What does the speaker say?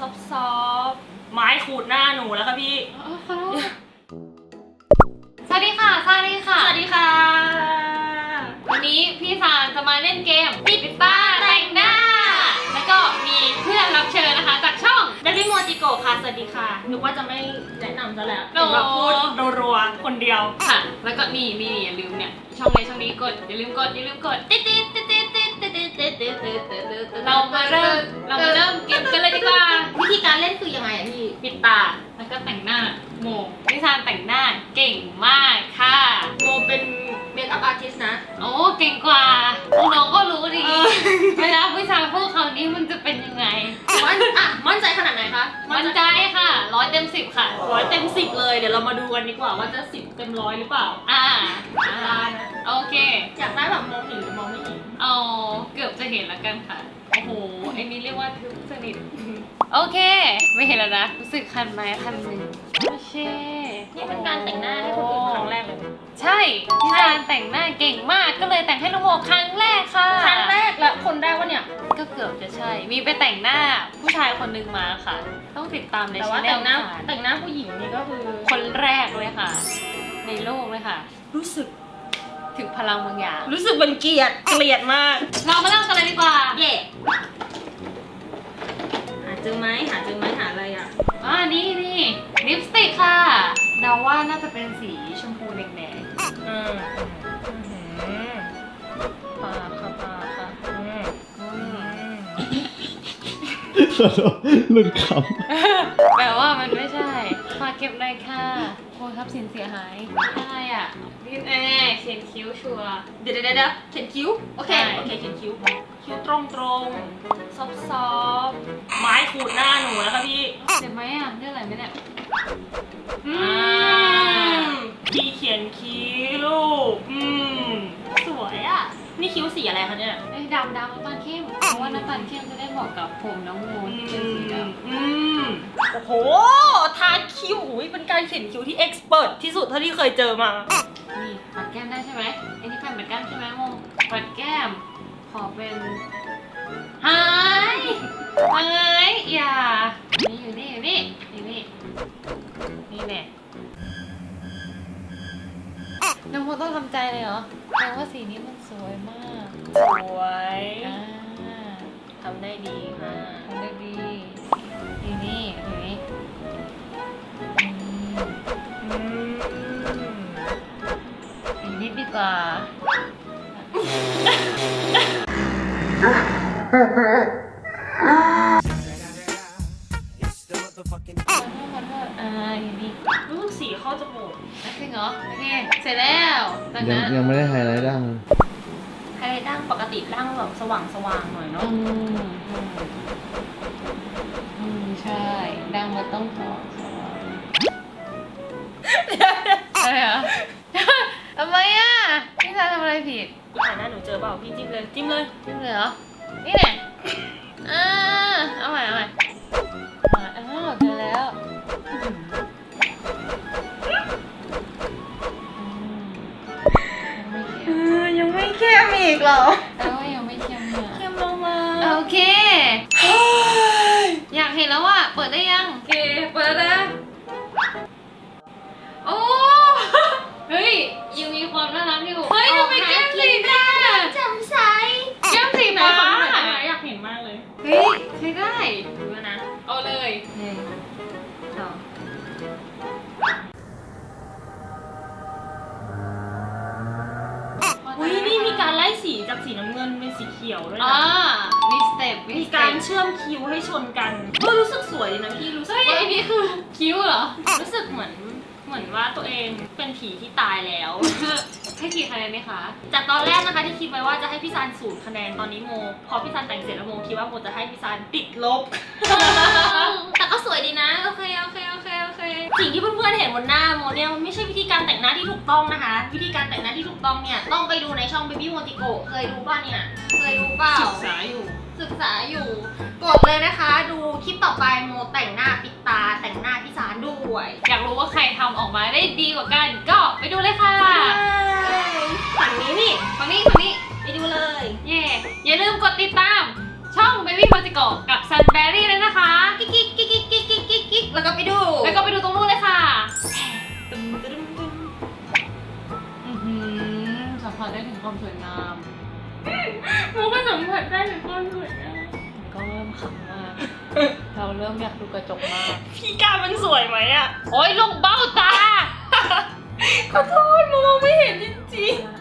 ซอฟไม้ขูดหน้าหนูแล้วค่ะพี่สวัสดีค่ะสวัสดีค่ะสวัสดีค่ะวันนี้พี่ซานจะมาเล่นเกมปิดตาแต่งหน้าแล้วก็มีเพื่อนรับเชิญนะคะจากช่องเดบิโมจิโกะค่ะสวัสดีค่ะนึกว่าจะไม่แนะนำซะแล้วแบบพูดรัวๆคนเดียวค่ะแล้วก็นี่อย่าลืมเนี่ยช่องนี้กดอย่าลืมกดติ๊ดเรามาเริ่มเกมกันเลยดีกว่าวิธีการเล่นคือยังไงอะพี่ปิดตาแล้วก็แต่งหน้าโมพี่ซานแต่งหน้าเก่งมากค่ะโมเป็นเมคอัพอาร์ติสต์นะโอ้เก่งกว่าน้องก็รู้ดีเวลาพี่ซานพูดคำนี้มันจะเป็นยังไงมั่นใจขนาดไหนคะมั่นใจค่ะ100 เต็ม 10ค่ะ 100 เต็ม 10เลยเดี๋ยวเรามาดูกันดีกว่าว่าจะ10 เต็ม 100หรือเปล่าได้นะโอเคอยากได้แบบมองเห็นหรือมองไม่เห็นเอาเกือบจะเห็นแล้วกันค่ะโอ้โหไอ้นี่เรียกว่าทึบสนิทโอเคไม่เห็นแล้วนะรู้สึกคันไหมคันหนึ่งโอเคนี่เป็นการแต่งหน้าให้คนอื่นครั้งแรกเลยใช่พี่ซานแต่งหน้าเก่งมากก็เลยแต่งให้น้องโมครั้งแรกค่ะครั้งแรกและคนแรกวะเนี่ยก็เกือบจะใช่มีไปแต่งหน้าผู้ชายคนนึงมาค่ะต้องติดตามในช่องแต่งหน้าผู้หญิงนี่ก็คือคนแรกเลยค่ะในโลกเลยค่ะรู้สึกถึงพลังบางอย่างรู้สึกเป็นเกลียดมากเรามาเริ่มกันเลยดีกว่าเย่หาเจอไหมหาอะไรอ่ะนี่ลิปสติกค่ะเดาว่าน่าจะเป็นสีชมพูแดงปาค่ะหลุดคำแปลว่ามันไม่ใช่มาเก็บเลยค่ะโอ้ทับสินเสียหายอะไรอ่ะนี่เขียนคิ้วชัวเดี๋ยวเขียนคิ้วโอเคเขียนคิ้วตรงซอฟไม้ขูดหน้าหนูแล้วค่ะพี่เจ็บไหมอ่ะเรื่องอะไรไหมเนี่ยพี่เขียนคิ้วสวยอ่ะนี่คิ้วสีอะไรคะเนี่ยดำน้ำตาลเข้มเพราะว่าน้ำตาลเข้มจะได้เหมาะกับผมน้องโมที่เป็นสีดำโอ้โหทาคิ้วเป็นการเขียนคิ้วที่เอ็กซ์เพรสที่สุดเท่าที่เคยเจอมานี่ปัดแก้มได้ใช่ไหมไอ้นี่เป็นปัดแก้มใช่ไหมโมปัดแก้มขอเป็นหายอย่านี่อยู่นี่นี่แหละน้องโมต้องทำใจเลยเหรอแปลว่าสีนี้มันสวยมากสวยทำได้ดีค่ะทำได้ดีนี่อีกนิดดีกว่าอย่างนี้รู้สึกสีเข้าจมูกจริงเหรอโอเคเสร็จแล้วยังไม่ได้ไฮไลท์ดั้งปกติดั้งแบบสว่างหน่อยเนาะใช่ดั้งมันต้องสว่างอะไรเหรอทำไมอ่ะพี่ซาทำอะไรผิดถ่ายหน้าหนูเจอเปล่าพี่จิ้มเลยเหรอนี่แหละเอาใหม่เจอแล้วยังไม่เข้มอีกเหรอยังไม่เข้มเนี่ยเข้มลงมาโอเคอยากเห็นแล้วอ่ะเปิดได้ยังโอเคเปิดแล้วโอ้เฮ้ยยังมีความน่ารักอยู่เฮ้ยทำไมแก้มสีฟ้าจำใสแก้มสีฟ้าอยากเห็นมากเลยเฮ้ยใช้ได้ดูแล้วนะเอาเลย 1 2นี่มีการไล่สีจากสีน้ำเงินเป็นสีเขียวด้วยนะมีสเต็ปมีการเชื่อมคิ้วให้ชนกันรู้สึกสวยดีนะพี่รู้สึกว่าไอ้นี่คือคิ้วเหรอรู้สึกเหมือนว่าตัวเองเป็นผีที่ตายแล้วให้กี่คะแนนไหมคะจากตอนแรกนะคะที่คิดไว้ว่าจะให้พี่ซาน0 คะแนนตอนนี้โมพอพี่ซานแต่งเสร็จแล้วโมคิดว่าโมจะให้พี่ซานติดลบแต่ก็สวยดีนะโอเคสิ่งที่เพื่อนๆเห็นบนหน้าโมเนี่ยมันไม่ใช่วิธีการแต่งหน้าที่ถูกต้องนะคะวิธีการแต่งหน้าที่ถูกต้องเนี่ยต้องไปดูในช่อง Baby Mojico เคยดูป่ะเนี่ยเคยดูเปล่าศึกษาอยู่กดเลยนะคะดูคลิปต่อไปโมแต่งหน้าปิดตาแต่งหน้าพี่ซานด้วยอยากรู้ว่าใครทำออกมาได้ดีกว่ากันก็ไปดูเลยค่ะฝั่งนี้ไปดูเลยอย่าลืมกดติดตามช่อง Baby Mojico กับ Sunberry เลยนะคะกิ๊กมผัสได้ถึงความสวยงามโมก็สัมผัสได้ถึงความสวยงามมันก็เริ่มขำมาก เราเริ่มอยากดูกระจกมากพี่กามันสวยไหมอะโอ๊ยลงเบ้าตาขอโทษโมมองไม่เห็นจริง